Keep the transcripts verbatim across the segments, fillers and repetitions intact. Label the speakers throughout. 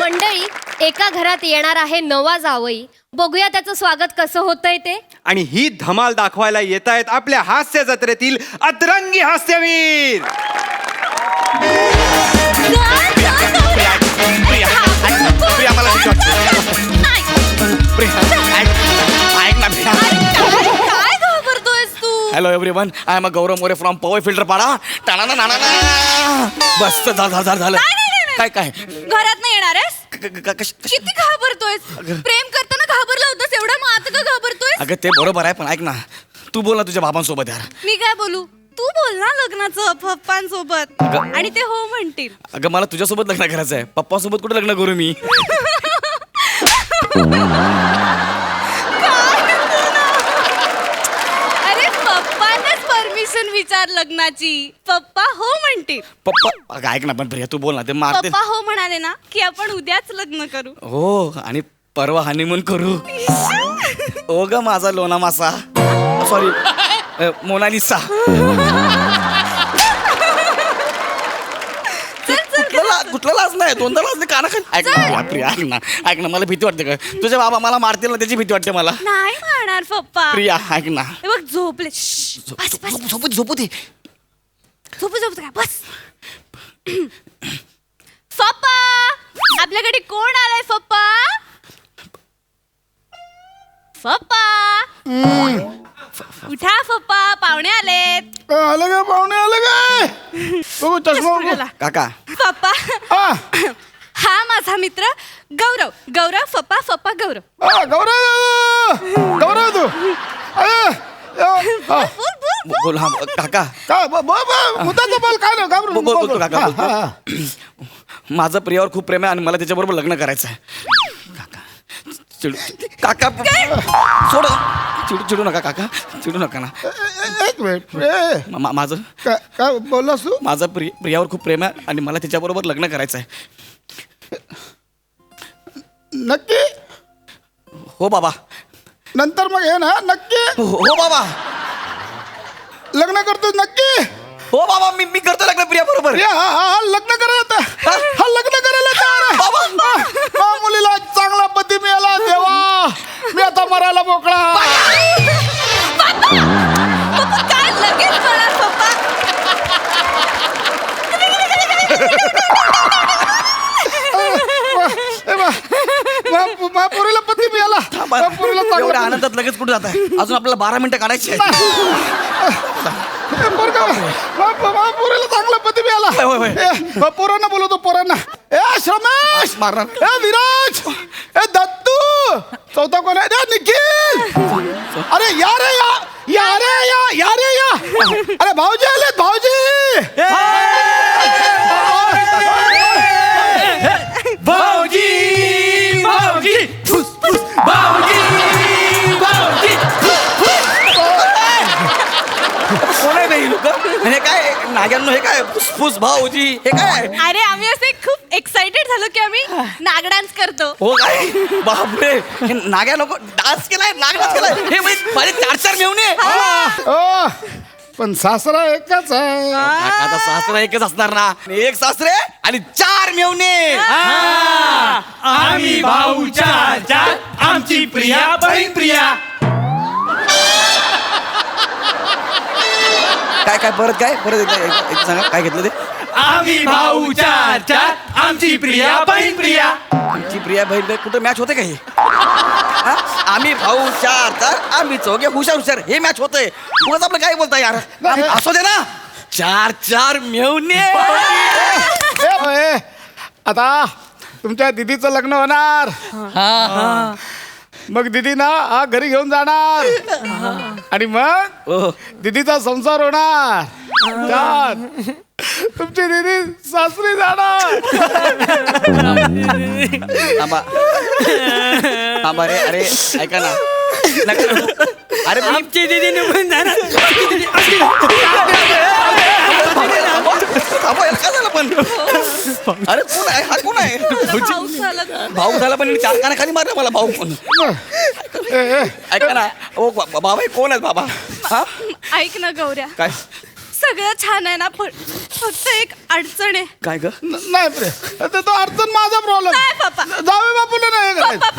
Speaker 1: मंडळी, एका घरात येणार आहे नवा जावई. बघूया त्याचं स्वागत कसं होतंय ते.
Speaker 2: आणि ही धमाल दाखवायला येत आहेत आपल्या हास्य जत्रेतील अतरंगी हास्यवीर.
Speaker 1: काय घाबरतोयस तू?
Speaker 3: Hello everyone, I am a Gaurav More from power filter Pada. Thane ना ना बस झालं झालं झालं. काय काय
Speaker 1: घरात नाही येणार आहेस? किती घाबरतोयस? प्रेम करताना घाबरला होतास एवढा, मग आता का घाबरतोयस?
Speaker 3: अगं ते बरोबर आहे, पण ऐक ना, तू बोल ना तुझ्या बाबांसोबत यार.
Speaker 1: मी काय बोलू? तू बोल ना लग्नाचं पप्पांसोबत, आणि ते हो म्हणतील.
Speaker 3: अगं मला तुझ्यासोबत लग्न करायचं आहे, पप्पासोबत कुठे लग्न करू मी?
Speaker 1: अरे पप्पांनाच परमिशन विचार लग्नाची, पप्पा हो म्हणतील.
Speaker 3: पप्पा अगं ऐक ना, पण प्रिया तू बोल ना, ते मारते.
Speaker 1: पप्पा हो म्हणाले ना की आपण उद्याच लग्न करू.
Speaker 3: हो, आणि परवा हनीमून करू. ओ ग माझा लोना मासा, सॉरी मोनालिसा. कुठला लाज नाही, दोनदा लाज नाही काना. ऐक ना प्रिया, ऐक ना ऐक ना, मला भीती वाटते. का तुझे बाबा मला मारतील ना, त्याची भीती वाटते मला.
Speaker 1: नाही मारणार पप्पा.
Speaker 3: प्रिया ऐक ना,
Speaker 1: हे बघ झोपले. बस बस
Speaker 3: झोपू झोपू दे.
Speaker 1: झोपू झोपू काय बस. पप्पा, आपल्याकडे कोण आलाय पप्पा? पप्पा उठा पप्पा, पाहुणे आलेत.
Speaker 4: आलं का पाहुणे, आलं काय? बघू चष्मा बघू.
Speaker 3: काका
Speaker 1: पप्पा,
Speaker 4: हा
Speaker 1: हा माझा मित्र गौरव. गौरव पप्पा, पप्पा गौरव.
Speaker 4: हा, गौरव गौरव तू अरे, हा.
Speaker 1: बोल बोल बोल.
Speaker 3: बोल. हा काका,
Speaker 4: काय ब- ब- ब- मुद्दाचं बोल, काय नाही घाबरू
Speaker 3: बोल बोल
Speaker 4: नको.
Speaker 3: बोल काका,
Speaker 4: हा,
Speaker 3: बोल,
Speaker 4: हा, हा.
Speaker 3: बोल. माझं प्रियावर खूप प्रेम आहे आणि मला त्याच्याबरोबर लग्न करायचं आहे. काका चिडू काका सोड, चिडू चिडू नका काका, चिडू नका ना.
Speaker 4: ए- ए- एक मिनिट ए,
Speaker 3: मा- मा- माझं
Speaker 4: काय काय बोललास तू?
Speaker 3: माझं प्रिय प्रियावर खूप प्रेम आहे आणि मला त्याच्याबरोबर लग्न करायचं आहे.
Speaker 4: नक्की?
Speaker 3: हो बाबा.
Speaker 4: नंतर मग हे ना नक्की
Speaker 3: हो हो बाबा.
Speaker 4: लग्न करतो नक्की?
Speaker 3: हो बाबा, मी मी करतो लग्न प्रिया बरोबर.
Speaker 4: या, हा हा हा, लग्न करायला आता. हा लग्न करायला तयार आहे.
Speaker 3: बाबा.
Speaker 4: हा, हा, मुलीला चांगला पती मिळाला देवा, मी आता मरायला मोकळा.
Speaker 1: पप्पा काय लगेच म्हणाल पप्पा?
Speaker 4: ए बा, मा- मा पोरीला पती मिळाला. मा पोरीला
Speaker 3: एवढ्या
Speaker 4: चांगला
Speaker 3: आनंदात लगेच कुठे जात आहे? अजून आपल्याला बारा मिनिटं काढायची आहेत.
Speaker 4: ए, पोरगा, मा- मा पोरीला चांगला पती मिळाला.
Speaker 3: होय, होय.
Speaker 4: ए, मा पोरांना बोलवतो, पोरांना. ए श्रमेश,
Speaker 3: मारणार.
Speaker 4: ए विराज, ए दत्तू, चौथा कोण आहे? ए, निखिल. अरे या रे या, या रे या, या रे या. अरे भाऊजी आलेत, भाऊजी.
Speaker 3: भाऊजी भाऊजी फुस फुस भाऊजी भाऊजी कोण आहे हे लोक? हे काय नाग्यांनो, हे काय फुसफुस भाऊजी, हे काय?
Speaker 1: अरे आम्ही असे खूप एक्साइटेड झालो की आम्ही नाग डान्स करतो.
Speaker 3: हो काय? बापरे, हे नाग्या नको डान्स केलाय, नाग डान्स केलाय. हे म्हणजे माझे चार चार मेवणे.
Speaker 4: ओ, पण सासरा एकच आहे.
Speaker 3: आता सासरा एकच असणार ना, एक सासरे आणि चार मेवणे.
Speaker 5: आम्ही भाऊ चार चार, आमची प्रिया बहीण प्रिया.
Speaker 3: काय काय परत काय परत एकदा एक- एक सांगा काय घेतलं ते?
Speaker 5: आम्ही भाऊ चार चार, आमची प्रिया बहीण प्रिया.
Speaker 3: आमची प्रिया बहीण बहीण कुठं मॅच होते का हे? हा? आम्ही भाऊ चार चार, आम्ही चौघे हुशार हुशार, हे मॅच होतंय. उगाच आपलं काय बोलताय यार? आम्ही- असू दे ना, चार चार मेवणे.
Speaker 4: ए, ए, आता तुमच्या दिदीचं लग्न होणार. मग दिदी ना हा घरी घेऊन जाणार आणि मग
Speaker 3: ओ,
Speaker 4: दिदीचा संसार होणार. छान. तुमची दिदी सासरी जाणार.
Speaker 3: थांबा थांबा रे, अरे ऐका ना. नका- अरे मी
Speaker 5: आमची दिदी निघून जाणार.
Speaker 3: थांबा, यार, काय झालं पण? अरे कोण आहे हा? कोण आहे?
Speaker 1: भाऊ झाला.
Speaker 3: भाऊ झाला पण चार काना खाली मारला मला भाऊ पण.
Speaker 4: ए, ए,
Speaker 3: ऐका ना, ओ बा- बाबा हे कोण आहेत बाबा? हा
Speaker 1: ऐक ना गौऱ्या,
Speaker 3: काय
Speaker 1: सगळं छान आहे ना, पण फक्त एक अडचण आहे.
Speaker 3: काय ग?
Speaker 4: न- नाही प्रे, ते तो अडचण माझा प्रॉब्लेम.
Speaker 1: नाही पप्पा,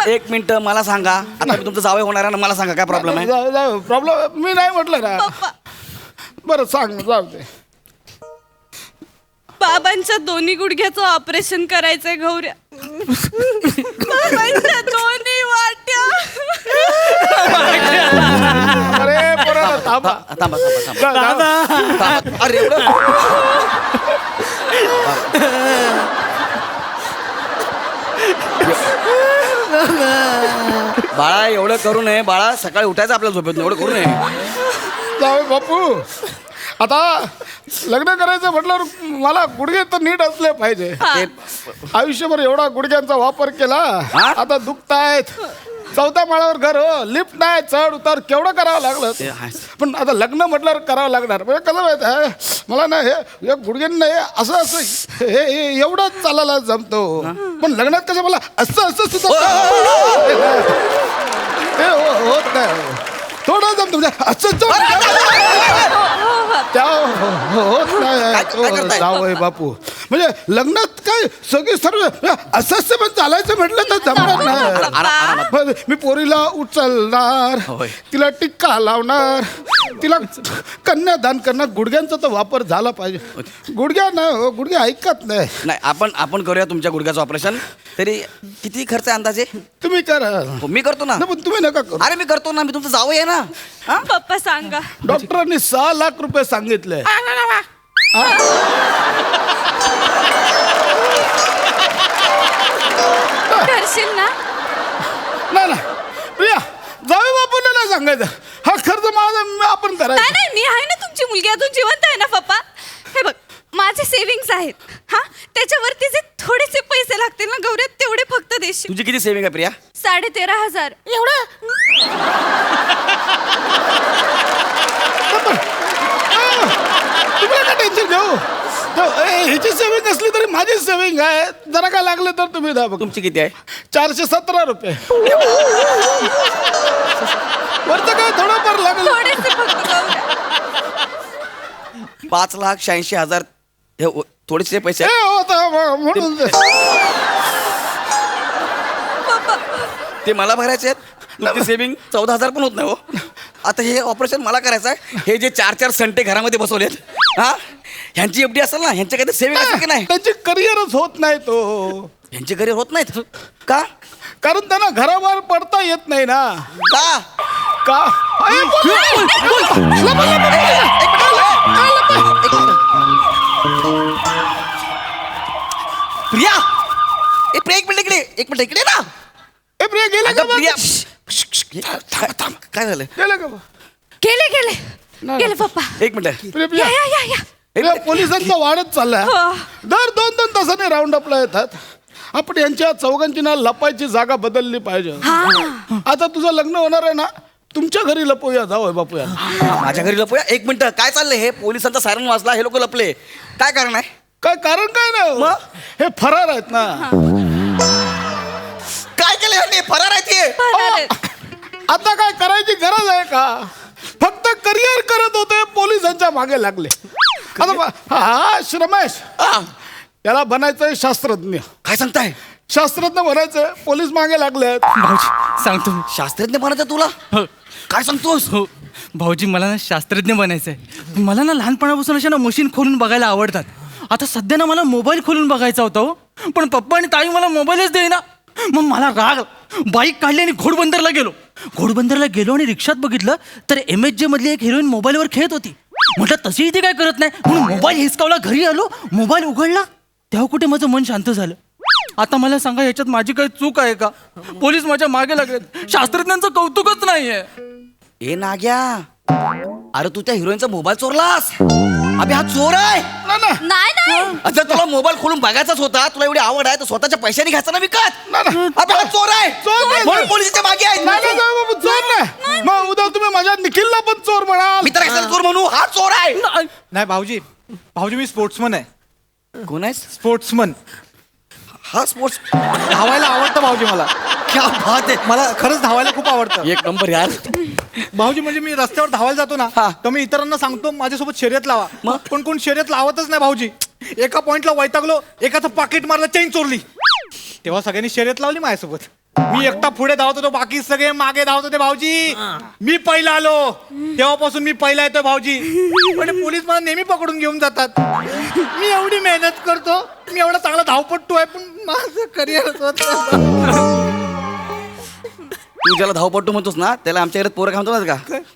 Speaker 3: एक मिनिट मला सांगा आता मी तुमचं जावई होणार आहे ना, मला सांगा काय प्रॉब्लेम आहे.
Speaker 4: जाऊ जाऊ प्रॉब्लेम मी नाही म्हटलं ना.
Speaker 1: पप्पा
Speaker 4: बरं सांग जाऊ दे.
Speaker 1: बाबांच्या दोन्ही गुडघ्याचं ऑपरेशन करायचंय गौऱ्या. बाबांच्या दोन्ही वाट्या.
Speaker 4: अरे पोरं थांबा.
Speaker 3: थांबा थांबा थांबा
Speaker 4: जाऊ, जाऊ.
Speaker 3: थांबा. अरे एवढं बाळा एवढं करू नये बाळा, सकाळी उठायचं आपल्याला झोपेत एवढं करू नये.
Speaker 4: जाऊ बापू. आता लग्न करायचं म्हटल्यावर मला गुडघे तर नीट असले पाहिजे.
Speaker 3: ते
Speaker 4: आयुष्यभर एवढा गुडघ्यांचा वापर केला,
Speaker 3: हा?
Speaker 4: आता दुखतायत. चौथ्या माळ्यावर घर हो, लिफ्ट नाही, चढ उतार केवढं करावं लागलं.
Speaker 3: ते आहे.
Speaker 4: पण आता लग्न म्हटल्यावर करावं लागणार. म्हणजे कसं माहित आहे मला ना, हे हे गुडघ्यांना हे असं असं हे हे एवढं चालायला जमतो, पण लग्नात कसं मला असं असं सुद्धा हे हो- होत नाही. थोडं जमतो म्हणजे असं त्या होत
Speaker 3: काय- काय
Speaker 4: नाही.
Speaker 3: करताय?
Speaker 4: जावई बापू म्हणजे लग्नात काय सगळी सर्व असं असं पण चालायचं म्हटलं तर जमणार नाही.
Speaker 3: आरा- आरामात.
Speaker 4: पण मी पोरीला उचलणार,
Speaker 3: होय.
Speaker 4: तिला टिक्का लावणार, तिला कन्यादान करणार. गुडघ्यांचा तर वापर झाला पाहिजे. गुडघ्या ना हो, गुडघे ऐकत नाही.
Speaker 3: नाही आपण आपण करूया तुमच्या गुडघ्याचं ऑपरेशन. तरी किती खर्च आहे अंदाजे?
Speaker 4: तुम्ही करा.
Speaker 3: हो, मी करतो ना.
Speaker 4: नाही, पण तुम्ही नका करू.
Speaker 3: अरे मी करतो ना, मी तुमचं जावई आहे ना. हा?
Speaker 1: पप्पा सांगा.
Speaker 4: डॉक्टरांनी सहा लाख रुपये सांगितले.
Speaker 1: करशील ना?
Speaker 4: नाही ना प्रिया, जाऊ बापूला नाही सांगायचं. हा खर्च माझा मी आपण
Speaker 1: नाही
Speaker 4: करायचा.
Speaker 1: नाही, मी आहे ना तुमची मुलगी, अजून जिवंत आहे ना पप्पा. हे बघ माझे सेव्हिंग्स आहेत हा, त्याच्यावरती जे थोडेसे पैसे लागतील ना गौऱ्या, तेवढे फक्त देशील.
Speaker 3: तुझी किती सेविंग आहे प्रिया?
Speaker 1: साडे तेरा हजार.
Speaker 4: तुम्ही नका टेन्शन घेऊ. तो- ए, हिची सेविंग असली तरी माझी सेविंग आहे. जरा काय लागलं तर तुम्ही द्या बघ.
Speaker 3: तुमची किती आहे?
Speaker 4: चारशे सतरा रुपये. वरचं काय थोडंफार लागलं.
Speaker 1: थोडेसे फक्त गौऱ्या.
Speaker 3: पाच लाख शहाऐंशी हजार हे ओ- थोडेसे पैसे
Speaker 4: ए,
Speaker 3: आहेत.
Speaker 4: होता म्हणून ते.
Speaker 3: ते मला भरायचे आहेत. तुमची सेविंग चौदा हजार पण होत नाही हो. आता हे ऑपरेशन मला करायचं आहे. हे जे चार चार संटे घरामध्ये बसवलेत हा, ह्यांची एफडी असेल ना, ह्यांच्या काही सेविंग असेल की नाही?
Speaker 4: त्यांची करिअरच होत नाही तो.
Speaker 3: ह्यांचे घरी होत नाहीत का?
Speaker 4: कारण त्यांना घराबाहेर पडता येत नाही ना.
Speaker 3: का?
Speaker 4: का अरे, बोल, बोल, बोल. लपा, लपा,
Speaker 3: प्रिया ए प्रिया एक मिनिट इकडे एक मिनिट इकडे ना.
Speaker 4: ए, प्रिया गेले
Speaker 3: अगं,
Speaker 4: का
Speaker 3: प्रिया
Speaker 4: बघ?
Speaker 3: श्श, श्श, थांब, थांब. काय झालं?
Speaker 4: गेले का बघ?
Speaker 1: गेले गेले गेले पप्पा.
Speaker 3: एक मिनिट
Speaker 4: प्रिया,
Speaker 1: या
Speaker 4: प्रिया.
Speaker 1: या या या.
Speaker 4: प्रिया, पोलिसांचा वाढत चाललाय.
Speaker 1: हो.
Speaker 4: दर दोन दोन तासाने राऊंड अपला येतात. आपण यांच्या चौघांची ना लपायची जागा बदलली पाहिजे. आता तुझं लग्न होणार आहे ना, तुमच्या घरी लपूया जाऊ बापूया.
Speaker 3: माझ्या घरी लपूया. एक मिनिट काय चाललंय? हे पोलिसांचा सायरन वाजला, हे लोक लपले. काय कारण आहे?
Speaker 4: काय कारण काय नाही.
Speaker 3: मग?
Speaker 4: हे फरार आहेत ना.
Speaker 3: काय केलं ह्यांनी? फरार आहे ते.
Speaker 1: फरार आहेत.
Speaker 4: आता काय करायची गरज आहे का? फक्त करिअर करत होते, पोलिसांच्या मागे लागले. आता बा- हा श्रमेश,
Speaker 3: हा,
Speaker 4: याला बनायचंय शास्त्रज्ञ.
Speaker 3: काय सांगताय?
Speaker 4: शास्त्रज्ञ बनायचंय, पोलीस मागे लागले आहेत.
Speaker 5: भाऊजी सांगतो मी.
Speaker 3: शास्त्रज्ञ बनायचं तुला?
Speaker 5: हो
Speaker 3: काय सांगतोस?
Speaker 5: हो भाऊजी, मला ना शास्त्रज्ञ बनायचं आहे. मला ना लहानपणापासून अशा ना मशीन खोलून बघायला आवडतात. आता सध्या ना मला मोबाईल खोलून बघायचा होता हो, पण पप्पा आणि ताई मला मोबाईलच देईना. मग मला राग, बाईक काढली आणि घोडबंदरला गेलो. घोडबंदरला गेलो आणि रिक्षात बघितलं तर एम एच जे मधली एक हिरोईन मोबाईलवर खेळत होती. म्हटलं तशी ती काय करत नाही म्हणून मोबाईल हिसकावला, घरी आलो, मोबाईल उघडला, तेव्हा कुठे माझं मन शांत झालं. आता मला सांगा, ह्याच्यात माझी काही चूक आहे का? पोलीस माझ्या मागे लागलेत, शास्त्रज्ञांचं कौतुकच नाहीये.
Speaker 3: ए नाग्या, अरे तू त्या हिरोईनचा मोबाईल चोरलास. अबे हा चोर आहे.
Speaker 4: ना ना
Speaker 1: नाही नाही.
Speaker 3: जर तुला मोबाईल खोलून बघायचाच होता, तुला एवढी आवड आहे तर स्वतःच्या पैशाने घ्यायचा ना विकत.
Speaker 4: ना, ना.
Speaker 3: अबे हा चोर आहे.
Speaker 4: चोर नाही.
Speaker 3: म्हणून पोलिसाच्या मागे
Speaker 4: नाही, नाही,
Speaker 3: आहे.
Speaker 4: जाऊ बाबू, चोर नाही. मग उद्या तुम्ही माझ्या निखिलला पण चोर म्हणाल.
Speaker 3: मी तर कशाला चोर म्हणू? हा चोर आहे.
Speaker 2: नाही भाऊजी, भाऊजी मी स्पोर्ट्समन आहे.
Speaker 3: कोण आहे?
Speaker 2: स्पोर्ट्समन.
Speaker 3: हा स्पोर्ट्स.
Speaker 2: धावायला आवडतं भाऊजी मला.
Speaker 3: क्या बात आहे.
Speaker 2: मला खरंच धावायला खूप आवडतं
Speaker 3: एक नंबर यार.
Speaker 2: भाऊजी. म्हणजे मी रस्त्यावर धावायला जातो ना,
Speaker 3: हा.
Speaker 2: तर मी इतरांना सांगतो माझ्यासोबत शर्यत लावा.
Speaker 3: मग?
Speaker 2: पण कोण शर्यत लावतच नाही भाऊजी. एका पॉइंटला वैतागलो, एकाचं पाकिट मारलं, चेन चोरली, तेव्हा सगळ्यांनी शर्यत लावली माझ्यासोबत.
Speaker 6: मी एकटा पुढे धावत होतो बाकी सगळे मागे धावत होते भाऊजी. मी पहिला आलो तेव्हापासून मी पहिला येतोय भाऊजी. पण पोलीस मला नेहमी पकडून घेऊन जातात. मी एवढी मेहनत करतो, मी एवढा चांगला धावपट्टू आहे, पण माझं करिअर
Speaker 3: तू ज्याला धावपट्टू म्हणतोस ना त्याला आमच्या घरात पोरं काय म्हणतो ना का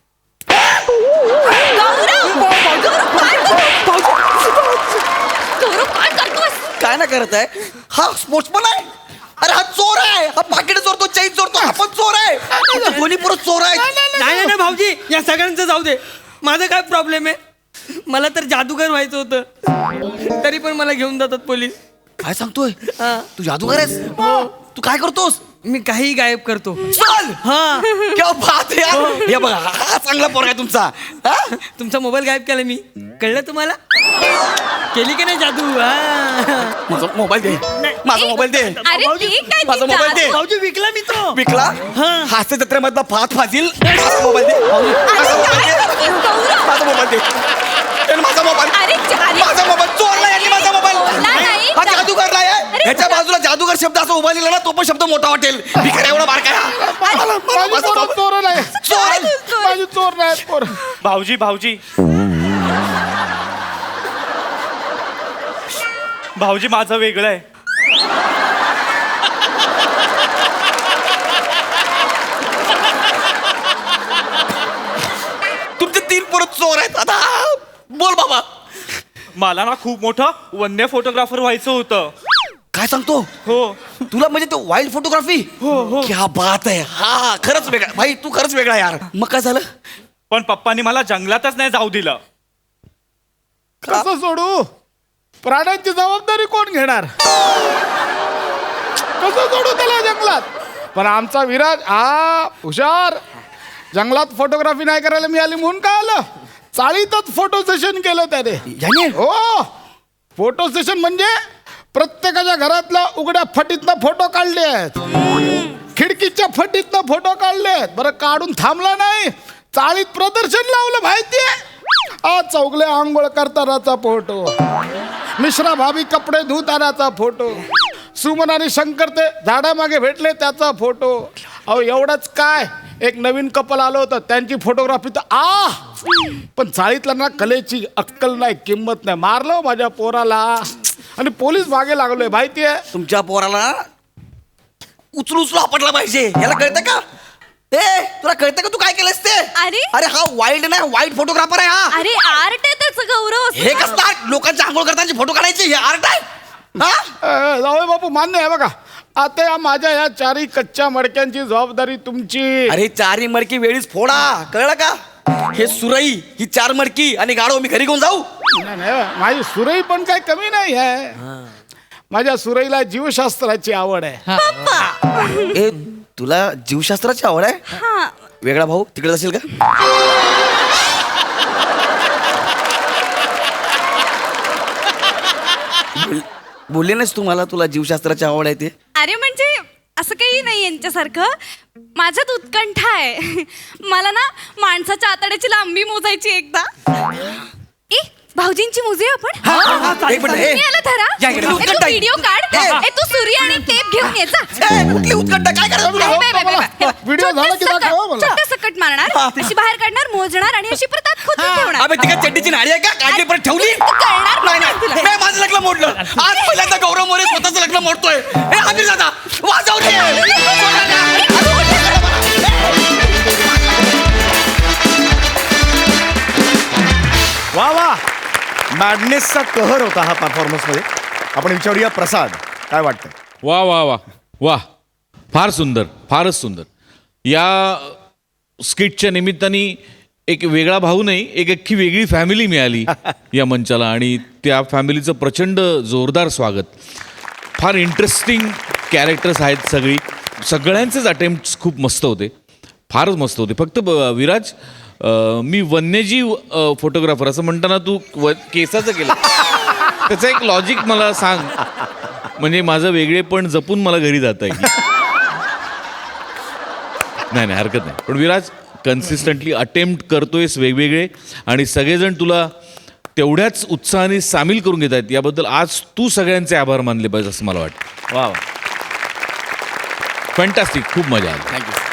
Speaker 1: गौरव काय करतोस?
Speaker 3: काय ना करत आहे हा स्पोर्ट्समन आहे. अरे हा चोर आहे, हा पाकिट चोरतो, चैन चोरतो, हा पण चोर आहे. दोन्ही पोरं चोर आहे.
Speaker 7: नाही नाही नाही भाऊजी, या सगळ्यांचं जाऊ दे. माझा काय प्रॉब्लेम आहे? मला तर जादूगर व्हायचं होतं, तरी पण मला घेऊन जातात पोलीस.
Speaker 3: काय सांगतोय
Speaker 7: हा.
Speaker 3: तू जादूगर आहेस? तू काय करतोस?
Speaker 7: मी काही गायब करतो.
Speaker 3: चल
Speaker 7: हा,
Speaker 3: क्या बात आहे यार. हे बघा हा चांगला पोरगा आहे तुमचा. हा?
Speaker 7: तुमचा मोबाईल गायब केला मी, कळलं तुम्हाला? केली की नाही जादू? हा.
Speaker 3: माझा मोबाईल दे, माझा मोबाईल दे,
Speaker 1: अरे ते काय
Speaker 3: माझा
Speaker 1: ती
Speaker 3: मोबाईल दे.
Speaker 1: जादू?
Speaker 7: भाऊजी विकला मी तो.
Speaker 3: विकला हास्य जत्रेमधला फात फाजील. माझा मोबाईल दे, माझा मोबाईल दे,
Speaker 1: गौरव
Speaker 3: माझा मोबाईल दे. त्याने माझा मोबाईल
Speaker 1: अरे अरे
Speaker 3: माझा मोबाईल चोरला यांनी माझा मोबाईल.
Speaker 1: बोलला नाही.
Speaker 3: हा जादूगर नाही आहे.
Speaker 1: अरे
Speaker 3: ह्याच्या बाजूला जादूगर शब्द असं उभा लिहिला ना तो पण शब्द मोठा वाटेल. भिकार एवढा बारका आहे. मला- मला-
Speaker 4: माझी
Speaker 3: माझा
Speaker 4: पोरं
Speaker 3: मोबाईल-
Speaker 4: चोर नाही.
Speaker 3: चोर
Speaker 4: माझी चोर नाही पोर.
Speaker 6: भाऊजी भाऊजी भाऊजी माझं वेगळं आहे.
Speaker 3: तुमचे तीन पोरं चोर आहेत. आता बोल बाबा.
Speaker 6: मला ना खूप मोठं वन्य फोटोग्राफर व्हायचं होतं.
Speaker 3: काय सांगतो?
Speaker 6: हो
Speaker 3: तुला म्हणजे ते वाईल्ड फोटोग्राफी?
Speaker 6: हो हो
Speaker 3: क्या बात आहे. हा खरंच वेगळा भाई, तू खरंच वेगळा यार. मग काय झालं?
Speaker 6: पण पप्पांनी मला जंगलातच नाही जाऊ दिलं.
Speaker 4: कसं सोडू? प्राण्यांची जबाबदारी कोण घेणार? कसं सोडू त्याला जंगलात? पण आमचा विराज हा हुशार. जंगलात फोटोग्राफी नाही करायला मिळाली म्हणून काय आलं, चाळीतच फोटो सेशन केलं त्याने.
Speaker 3: याने?
Speaker 4: हो, फोटो सेशन म्हणजे प्रत्येकाच्या घरातल्या उघड्या फटीतनं फोटो काढले आहेत, खिडकीच्या फटीतनं फोटो काढले आहेत. बरं काढून थांबला नाही, चाळीत प्रदर्शन लावलं माहितीये. आ चौगले आंघोळ करतानाचा फोटो, मिश्रा भाभी कपडे धुतानाचा फोटो, सुमन आणि शंकर ते झाडामागे भेटले त्याचा फोटो. अहो एवढंच काय, एक नवीन कपल आलं होतं त्यांची फोटोग्राफी तर आ पण चाळीतला ना कलेची अक्कल नाही, किंमत नाही. मारलो माझ्या पोराला आणि पोलीस मागे लागलोय माहितीये.
Speaker 3: तुमच्या पोराला उचलू उचलू आपटला पाहिजे. याला कळतं का? ए तुला कळतं का तू काय केलंस ते?
Speaker 1: अरे.
Speaker 3: अरे हा वाईल्ड नाही, वाईट फोटोग्राफर आहे हा.
Speaker 1: अरे आर्ट आहे त्याचं गौरव असं
Speaker 3: हे
Speaker 1: ना.
Speaker 3: कसं art? लोकांच्या आंघोळ करताना फोटो काढायचे हे आर्ट आहे? हा?
Speaker 4: अ, जावई बापू मान्य आहे बघा. आता या माझ्या या चारी कच्च्या मडक्यांची जबाबदारी तुमची.
Speaker 3: अरे चारी मडकी वेळीच फोडा, कळलं का? हे सुरई ही चार मडकी आणि गाडो मी घरी घेऊन जाऊ?
Speaker 4: नाही, नाही, माझी सुरई पण काही कमी नाही आहे. माझ्या सुरईला जीवशास्त्राची आवड आहे.
Speaker 3: ए तुला जीवशास्त्राची आवड आहे?
Speaker 1: हा
Speaker 3: वेगळा भाऊ तिकडे असेल का? बोल- बोलले नाहीस तू मला तुला जीवशास्त्राची आवड आहे ते?
Speaker 1: अरे म्हणजे असं काही नाही यांच्यासारखं. माझ्यात उत्कंठा आहे. मला ना माणसाच्या आतड्याची लांबी मोजायची एकदा. ए भाऊजींची मोजूया आपण.
Speaker 3: एक मिनिट, ए.
Speaker 1: मी आला धरा.
Speaker 3: या इकडे.
Speaker 1: ए, तू
Speaker 3: उत्कंठा आहे.
Speaker 1: व्हिडिओ काढ.
Speaker 3: ए.
Speaker 1: ए, तू सूर्य आणि टेप घेऊन ये जा.
Speaker 3: ए, कुठली उत्कंठ काय करायचं तुला?
Speaker 1: Bye, bye, bye, bye, bye.
Speaker 4: Video झाला की
Speaker 1: छोटं
Speaker 4: दाखवा
Speaker 1: सकट-
Speaker 4: मला.
Speaker 1: छोटं सकट मारणार, अशी बाहेर काढणार, मोजणार आणि अशी प्रतात खोचून ठेवणार.
Speaker 3: अबे तिकडे चड्डीची नाडी आहे का? काढली परत ठेवली?
Speaker 1: तू करणार
Speaker 3: नाही
Speaker 1: नाही तुला.
Speaker 3: नाही नाही, माझं लग्न मोडलं. आज पहिल्यांदा गौरव मोरे स्वतःचं लग्न मोडतोय. ए आमिर दादा वाजव रे.
Speaker 8: वा वा, मॅडनेसचा कहर होता हा परफॉर्मन्स मध्ये. आपण विचारूया प्रसाद, काय वाटतं?
Speaker 9: वा वा वा वा, फार सुंदर, फारच सुंदर. या स्किटच्या निमित्ताने एक वेगळा भाऊ नाही, एक अख्खी वेगळी फॅमिली मिळाली या मंचाला आणि त्या फॅमिलीचं प्रचंड जोरदार स्वागत. फार इंटरेस्टिंग कॅरेक्टर्स आहेत सगळी, सगळ्यांचेच अटेम्प्ट खूप मस्त होते, फारच मस्त होते. फक्त ब- विराज, अं, मी वन्यजीव फोटोग्राफर असं म्हणताना तू व केसाचं केलं त्याचं एक लॉजिक मला सांग, म्हणजे माझं वेगळेपण जपून मला घरी जाता येईल. नाही नाही हरकत नाही. पण विराज कन्सिस्टंटली अटेम्प्ट करतोयस वेगवेगळे आणि सगळेजण तुला तेवढ्याच उत्साहाने सामील करून घेत आहेत, याबद्दल आज तू सगळ्यांचे आभार मानले पाहिजे असं मला वाटतं.
Speaker 8: वा वा.
Speaker 9: फॅन्टॅस्टिक खूप मजा आली
Speaker 3: थँक्यू